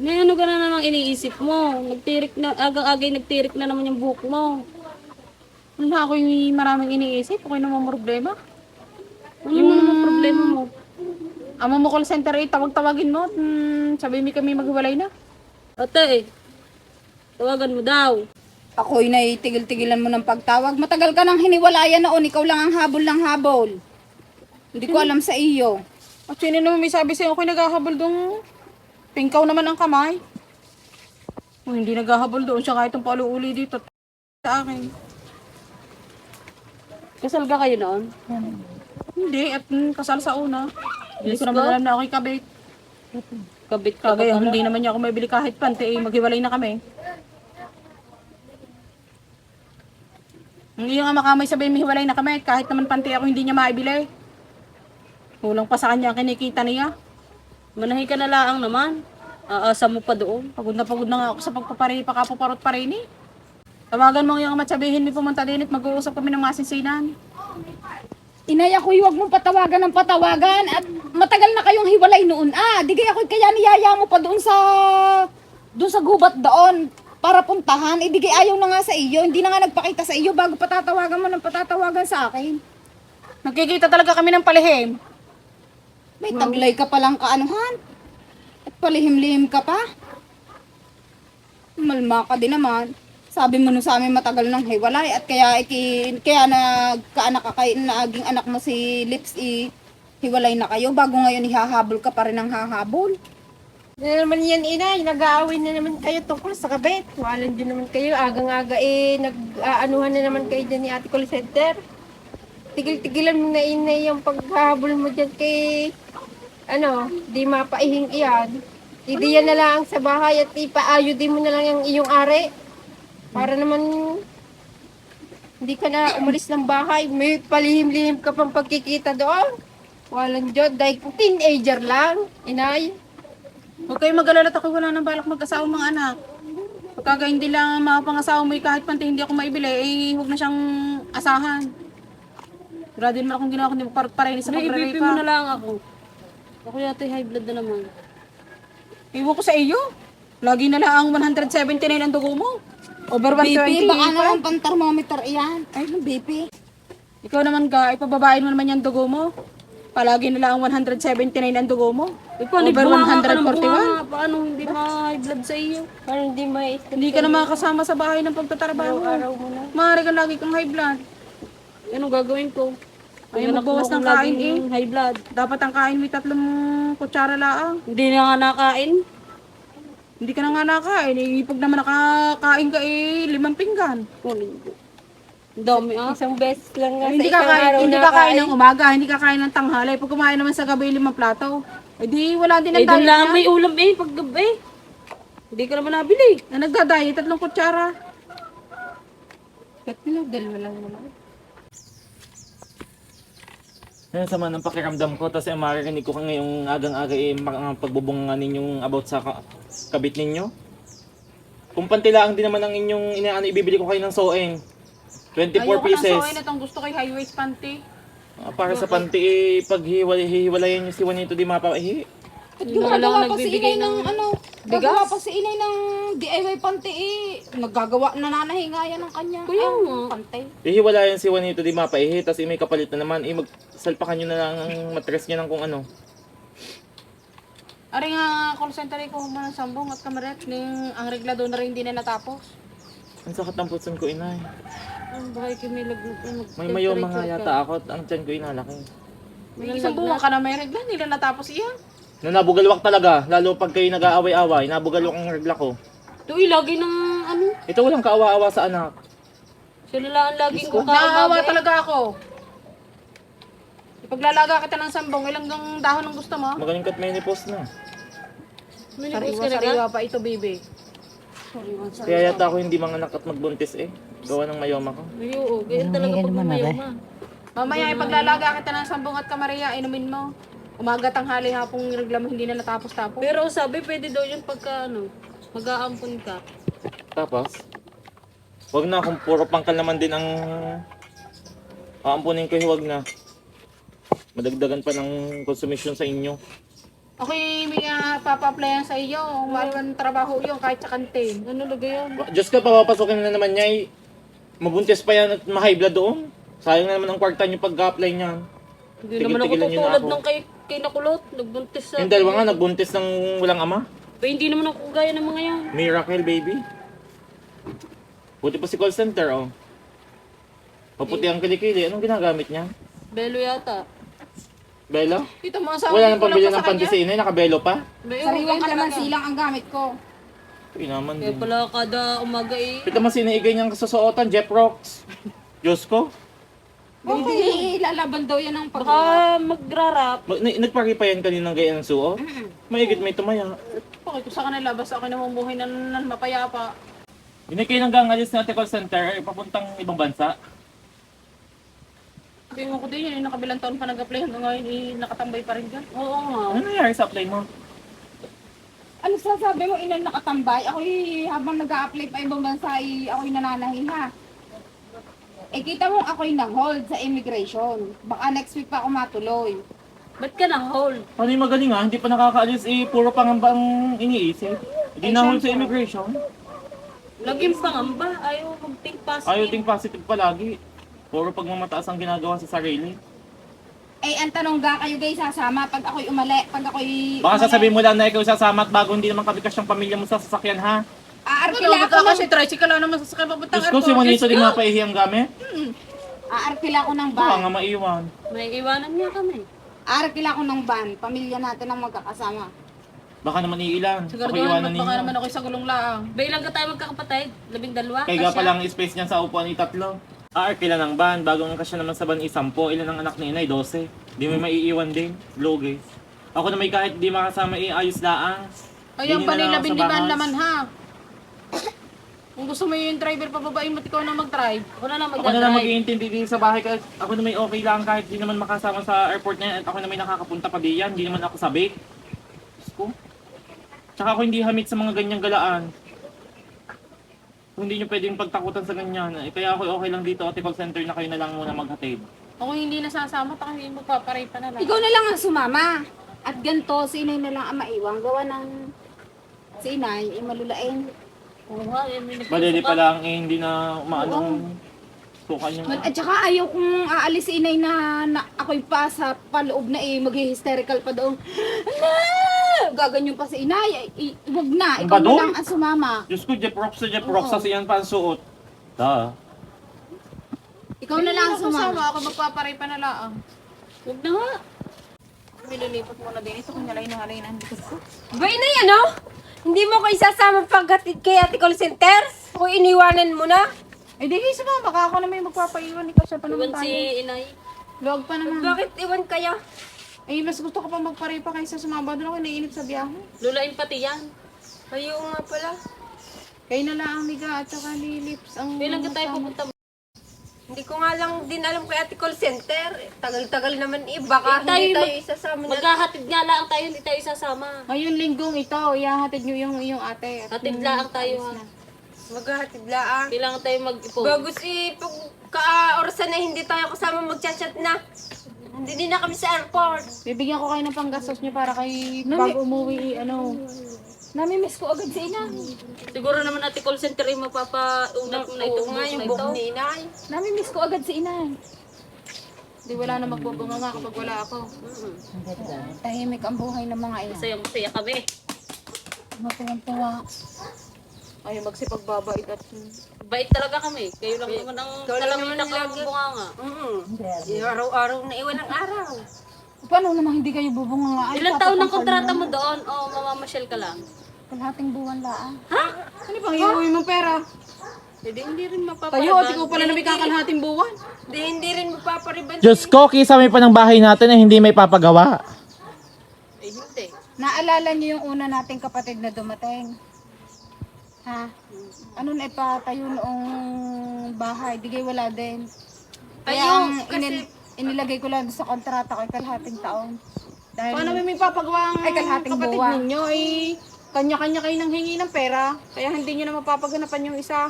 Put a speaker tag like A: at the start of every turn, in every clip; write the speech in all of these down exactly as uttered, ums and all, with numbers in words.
A: May ano ka na namang iniisip mo. Nagtirik na, agang-agay nagtirik na naman yung buhok mo.
B: Wala ako yung maraming iniisip. Okay naman problema.
A: Ano mo
B: Yung
A: naman problema mo?
B: amo mo call center eh, tawag-tawagin mo. Hmm, sabi mi kami maghiwalay na.
A: Ate, tawagan mo daw.
C: Ako'y naitigil-tigilan mo ng pagtawag. Matagal ka nang hiniwalayan noon. Ikaw lang ang habol ng habol. Hindi ko alam sa iyo.
B: At sino naman may sabi sa'yo ako'y naghahabol doon. Pingkaw naman ang kamay. Oh, hindi naghahabol doon siya kahit ang paluuli dito sa akin.
A: Kasal ka kayo noon?
B: Hindi, at mm, kasal sa una. Hindi
A: Diyos
B: ko naman
A: ko.
B: alam na ako'y kabit.
A: Kabit ka pa
B: Kagaya
A: pala.
B: hindi naman niya ako mabili kahit panty, eh, maghiwalay na kami. Ang iyong ama kamay sabihin mihiwalay na kami, kahit naman panty ako hindi niya maibili. Kulang pa sa kanya ang kinikita niya.
A: Manahi ka na laang naman. Aasa mo pa doon.
B: Pagod na pagod na nga ako sa pagpapari, pakapaparot pa rin eh. Tawagan mo ang iyong ama at sabihin mi pumunta din at mag-uusap kami ng masinsinan.
C: Inay, ako'y huwag mong patawagan ng patawagan. At matagal na kayong hiwalay noon. Ah, di kaya ako'y kaya niyaya mo pa doon sa... doon sa gubat doon. Para puntahan. Eh, di kaya ayaw na nga sa iyo. Hindi na nga nagpakita sa iyo bago patatawagan mo ng patatawagan sa akin.
B: Nagkikita talaga kami ng palihim.
C: May taglay ka palang kaanuhan. At palihim-lihim ka pa. Malma ka din naman. Sabi mo nun sa amin matagal nang hiwalay at kaya iki, kaya nagkaanak ka kay naging anak mo si Lips i hiwalay na kayo bago ngayon ihahabol ka pa rin ng hahabol.
D: Na naman yan, inay. Nag-aaway na naman kayo tungkol sa kabit. Walan din naman kayo. Agang-aga eh, nag-aanuhan na naman kayo dyan ni Ate Call Center. Tigil-tigilan mo na, inay, yung paghahabol mo dyan kay, ano, di mapaihing iyan. Hindi yan na lang sa bahay at ipaayo din mo na lang yung iyong are. Para naman, hindi ka na umalis ng bahay. May palihim-lihim ka pang pagkikita doon. Walang dyan. Dahil teenager lang, inay.
B: Huwag kayong mag-alala at ako wala nang balak mag-asawa mga anak. Pagka hindi lang mapangasawa mo eh, kahit panty hindi ako maibili, eh huwag na siyang asahan. Grado naman akong ginawa kundi parang sa
A: May ibipin
B: pagraripa.
A: mo na lang ako. Ako yata high blood na naman.
B: Iwan ko sa iyo. Lagi na lang ang one seventy-nine ang dugo mo. Over
C: B P,
B: one twenty.
C: baka naman pang thermometer iyan. Ay, B P.
B: Ikaw naman ga, ipababain mo naman yung dugo mo. Palagi na lang ang one seventy-nine ang dugo mo.
A: Eh, paano
B: Over
A: bunganga ka ng
B: one forty-one.
A: bunganga? Paano hindi ma-high blood sa iyo?
D: Parang hindi may
B: Hindi ka na makakasama sa bahay ng pagtatrabaho.
D: araw mo na.
B: Maaari ka lagi kang high blood.
A: Anong gagawin ko?
B: Ay,
A: Anak
B: magbawas
A: mo
B: ng
A: akong
B: kain
A: laging high blood.
B: Dapat ang kain may tatlong kutsara laang.
A: Hindi na nga nakain.
B: Hindi ka na nga nakain. Eh, pag naman nakakain ka eh, limang pinggan.
A: Oh, ang dami ah.
D: Isang beses lang nga
B: Ay, hindi
D: sa
B: ka
D: isang
B: kain,
D: araw
B: hindi
D: na
B: ka kain ng umaga, hindi ka kain ng tanghali. Pag kumain naman sa gabi limang plato, eh di wala din ang
A: Eh, doon
B: diet
A: lang
B: niya.
A: may ulam eh, pag gabi. Hindi ka naman nabili.
B: Na nagda-diet, tatlong kutsara.
D: Tatlo, dalawa lang naman.
E: Yan sama ng pakiramdam ko, tapos yung maririnig ko ka ngayong agang-aga eh, mga pagbubunga ninyong about sa ka- kabit ninyo. Kung pantilaang din naman ang inyong inaano, ibibili ko kayo ng soeng. twenty-four
B: Ayoko
E: pieces.
B: ng soy na itong gusto ko yung high waist panty.
E: Ah, para sa panty, eh, pag hiwalay, hiwalayan nyo si Juanito di mapaihi.
C: At
A: Yun na lang
C: gumagawa pa si
A: nagbibigay
C: inay ng,
A: ng
C: ano,
A: bigas?
C: gagawa pa si inay ng D I Y panty eh. Naggagawa, nananahingayan ng kanya.
A: Kuya
C: ang
A: nga.
C: panty.
E: Hihiwalayan si Juanito di mapaihi, tapos eh, may kapalit na naman, eh, magsalpakan nyo na lang ang matres niya ng kung ano.
B: Ari nga call center ko man ng sambong at kamaret ning ang reglado na rin hindi na natapos.
E: Ang sakit ng putson ko, inay.
A: Ang bahay kami lag...
E: May mayo mga yata ako at ang tiyan ko inalaki.
B: May isang buwan ka na may regla, hindi na natapos iyan.
E: Na nabugalwak talaga, lalo pag kayo nag-aaway-away, nabugalwak ang regla ko.
A: Tuwi, lagi ng ano.
E: Ito walang kaawa-awa sa anak.
A: Sila lang ang laging
E: Diyos ko.
A: kung
B: Naawa
A: kaawa
B: talaga ako. Ipaglalaga kita ng sambong, ilang gang dahon ang gusto mo?
E: Magaling ka't menopause na.
A: Minibus
B: Sariwa,
A: ka na ka?
B: sariwa pa ito, baby.
E: Kaya yata ako hindi manganak at magbuntis eh. Gawa ng mayoma ko.
A: Ay, oo. Ganyan talaga pag mamayoma.
B: Mamaya ipaglalaga kita ng sambong at kamaria, inumin mo. Umaga, tanghali, hapong regla mo, hindi na natapos-tapos.
A: Pero sabi, pwede daw yun pagka ano, mag-aampon ka.
E: Tapos, wag na kung puro pangkal naman din ang aampunin ko, wag na. Madagdagan pa ng consumption sa inyo.
B: Okay, may uh, papa-applyan sa iyo. Maraming trabaho yun kahit sa kantin.
A: Ano lagay yan?
E: Diyos ko, papapasukin na naman niya eh. Mabuntis pa yan at ma-high blood doon. Sayang na naman ang kwarta niyo pag-apply niyan.
A: Hindi naman ako
E: Tigil-tigilan niyo na
A: tutulad
E: ako.
A: ng kay, kay Nakulot. Nagbuntis sa...
E: Yung dalawa nga, nagbuntis ng walang ama.
A: Ba, hindi naman ako gaya ng mga yan.
E: Miracle, baby. Buti pa si call center, oh. Paputi ang kilikili. Anong ginagamit niya?
A: Belo yata.
E: Belo?
B: Ito mo sa
E: Wala nang pambili ng pandesine, nakabelo pa?
A: Belo,
C: Sariwang kalamansi lang ang gamit ko.
E: Uy naman
A: Kaya
E: din.
A: pala kada umaga eh.
E: Pita mas sinaigay niyang kasusuotan, Jeff Rocks. Diyos ko.
C: Hindi, ilalaban daw yan ang pag...
A: Baka magrarap.
E: Mag- na- Nagpari pa yan kaninang gaya ng suot? Maigit may tumaya.
B: Okay, kung sa kanila, basta ako namumuhay na, na mapayapa.
E: Hindi kayo nang gangalis na call center, eh, papuntang ibang bansa.
B: Sabi mo ko din yun, yung nakabilang taon pa nag-apply hanggang ngayon, eh, nakatambay pa rin dyan.
A: Oo nga.
E: Ano nangyari sa apply mo?
C: Ano sasabi mo, inang nakatambay? Ako'y habang nag-a-apply pa ibang bansa, ay ako'y nananahiha. Eh kita mo ako'y na-hold sa immigration. Baka next week pa ako matuloy.
A: Ba't ka na-hold?
E: Ano yung magaling ah? Hindi pa nakakaalis eh, puro pangamba ang iniisip. Hindi
C: Eh,
E: na hold sa
C: syempre.
E: immigration.
A: Laging pangamba. Ayaw mag-think positive.
E: Ayaw think positive palagi. Puro pagmamataas ang ginagawa sa sarili.
C: Eh, ang tanong ga kayo guys sasama pag ako'y umali, pag ako'y
E: Baka
C: umali.
E: sasabihin mo lang na ikaw sasama at bago hindi naman kabikas yung pamilya mo sa sasakyan ha.
C: Aarkila
B: Kailangan
C: ako
B: ka
C: ng,
B: kasi tricycle lang naman sa sakay papuntang
E: Diyos ko, si Juanito din mapaihi ang gamit.
C: aarkila ako ng
E: Baka
C: van.
E: nga maiwan.
A: May iwanan niya kami.
C: Aarkila ako ng van. Pamilya natin ang magkakasama.
E: Baka naman iilan. Ako
B: Siguraduhan,
E: iwanan
B: baka naman
E: ninyo.
B: ako sa gulong laang.
A: Ba, ilang ka tayo magkakapatid? Labing dalawa?
E: Kaya
A: Kasya?
E: pa lang space niyan sa upuan ni tatlo. Ah, kailan ng ban? Bago ang kasya naman sa ban isampo. Ilan ang anak ni inay? dose. Di may maiiwan din. Low guys. Ako na may kahit di makasama iayos laang.
B: Ayun,
E: Hindi na lang
B: panila
E: ako sa
B: bindiban
E: bahay.
B: naman ha. Kung gusto mo yung driver pababain mo, ikaw na mag-drive.
A: Ako na lang
E: Ako na lang
A: magdadrive.
E: mag-iintindi din sa bahay. Kahit ako na may okay lang kahit di naman makasama sa airport na yan. At ako na may nakakapunta pa diyan. Hindi naman ako sabik. Diyos ko. Tsaka ako hindi hamit sa mga ganyang galaan. Kung hindi nyo pwedeng pagtakutan sa ganyan. Eh, kaya ako okay lang dito. Ate call center na kayo na lang muna maghatid.
B: Ako hindi nasasama, taka hindi mo paparay pa na lang.
C: Ikaw na lang ang sumama. At ganito, si inay na lang ang maiwang. Gawa ng si inay, ay malulain.
A: Oo nga, yan may
E: Balili
A: nagsusuka.
E: pa lang eh, hindi na maanong suka niya.
C: At saka ayaw kong aalis si inay na, na ako'y pa sa paloob na eh, mag-hysterical pa doon. Ala! Gaganyan pa si inay. Ay, ay, wag na,
E: Ang
C: ikaw na
E: badong?
C: lang ang sumama.
E: Diyos ko, Jeff Rocks sa Jeff Rocks. Kasi yan pa ang suot. Da.
C: Ikaw na lang ang
B: Hindi ako
C: sumama.
B: sasama, ako magpaparay pa na lang.
A: Huwag na nga.
B: Nililipat mo na din. Ito kung nalay na halay na hindi ko.
D: Ba, inay, ano? Hindi mo ko isasama paghatid kay ate call center? Kung iniwanan mo na?
B: Eh di kayo sumama ka, ako na may magpapaiwan. Ikaw siya pa naman
A: Iwan si
B: tayo.
A: inay.
B: Log pa naman.
D: Bakit iwan kayo?
B: Eh, mas gusto ko pa magparay pa kaysa sumama. Doon ako naiinip sa biyahe.
A: Lulain pati yan.
D: Kayo nga pala.
B: Kayo na lang ang miga at saka ni Lips ang...
A: Kailan ka tayo pupunta?
D: Hindi ko nga lang din alam kay ate call center. Tagal-tagal naman eh. Baka
A: Eh, tayo
D: hindi tayo
A: mag-
D: isasama na.
A: Maghahatid nga lang tayo, hindi tayo isasama.
B: Ngayong linggong ito, ihahatid nyo yung, yung ate. At
A: Hatid
B: yung-
A: lang tayo ha.
D: Maghahatid laang.
A: Kailangan tayo mag-ipon.
D: Bagus eh, pag ka-orasan na hindi tayo kasama magchat-chat na. Hindi din na kami sa airport.
B: Bibigyan ko kayo ng panggastos nyo para kay
C: Nami-
B: bago umuwi, ano.
C: Namimiss ko agad si ina.
A: Siguro naman ate call center yung mapapaunat mo na
D: Oo
A: itong
D: nga,
A: buhok
D: yung
A: na ito.
D: buhok ni inay.
C: Namimiss ko agad si ina.
B: Di wala na magbubunga nga kapag wala ako.
A: Mm-mm.
C: Tahimik ang buhay ng mga ina.
A: Masaya masaya kami.
C: Matuwang-tuwa.
B: Ay, magsipagbabait at...
A: Bait talaga kami. Kayo lang naman ang
D: Ikaw lang
A: kalamita
D: naman
A: ko ang
D: lagi.
A: bunga nga.
D: Mm. Araw-araw na iwan ang araw.
C: Paano naman hindi kayo bubunga nga? Ay,
A: Ilang taon ng
C: papapangkal
A: kontrata
C: na.
A: mo doon? O oh, mamamasyal ka lang?
C: Kalahating buwan laang.
B: Ano pang iuwi mong pera?
A: Hindi, hindi rin
B: Tayo,
A: mapapalaban.
B: at ikaw pala na may kakalahating buwan.
D: Di, hindi rin magpapariban.
E: Diyos ko, kisame pa ng bahay natin na hindi may papagawa.
A: Eh, hindi.
C: Naalala niyo yung una nating kapatid na dumating? Ha? Ano na ipatayo noong bahay? Di kayo wala din. Kaya
D: Ayun,
C: ang
D: kasi-
C: inil- inilagay ko lang sa kontrata ko ay kalahating taon. Dahil
B: Paano may may papagawa ang
C: Ay, kalahating
B: kapatid
C: buwan.
B: ninyo? Ay, kanya-kanya kayo nang hingi ng pera. Kaya hindi nyo na mapapaganapan yung isa.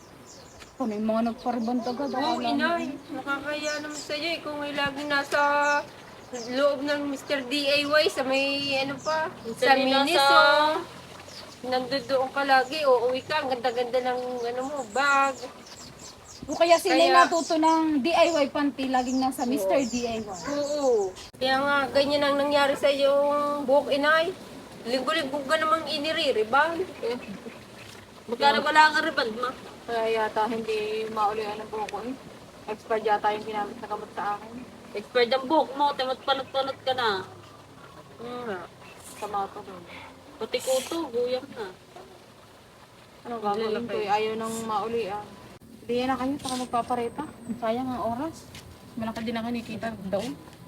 C: ano yung mga nagpariband agad.
D: Oo,
C: akala mo.
D: inay. Nakakaya naman sa'yo eh. Kung may lagi nasa loob ng mister D I Y sa may ano pa,
A: Sa
D: sa Miniso.
A: sa-
D: Nandoon ka lagi, uuwi ka, ang ganda-ganda ng ano mo, bag.
C: O kaya sila
D: Kaya-
C: natuto ng D I Y panty, laging nasa mister D I Y.
D: Oo. Kaya nga, ganyan ang nangyari sa yung buhok inay. Linggo-linggo ka namang iniririban. Eh,
A: Magkano wala kang riband, ma?
B: Kaya yata hindi maulian ng buko eh. Expired yata yung ginamit na gamot sa akin.
A: Expired ang buhok mo, timot panot-panot ka na.
D: mm, nga.
B: Tama to doon.
A: Pati kuto, guyang na.
B: Ano gagawin ko eh? Ayaw nang maulian. Hindi na kayo, saka magpapareta. Sayang ang oras. Malaki din ang kinikita daw.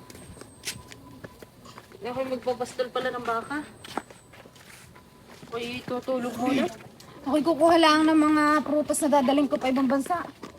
A: Hindi ako magpapastol pala ng baka.
B: Uy, tutulog muna.
C: Ako'y kukuha lang ng mga prutas na dadaling ko pa ibang bansa.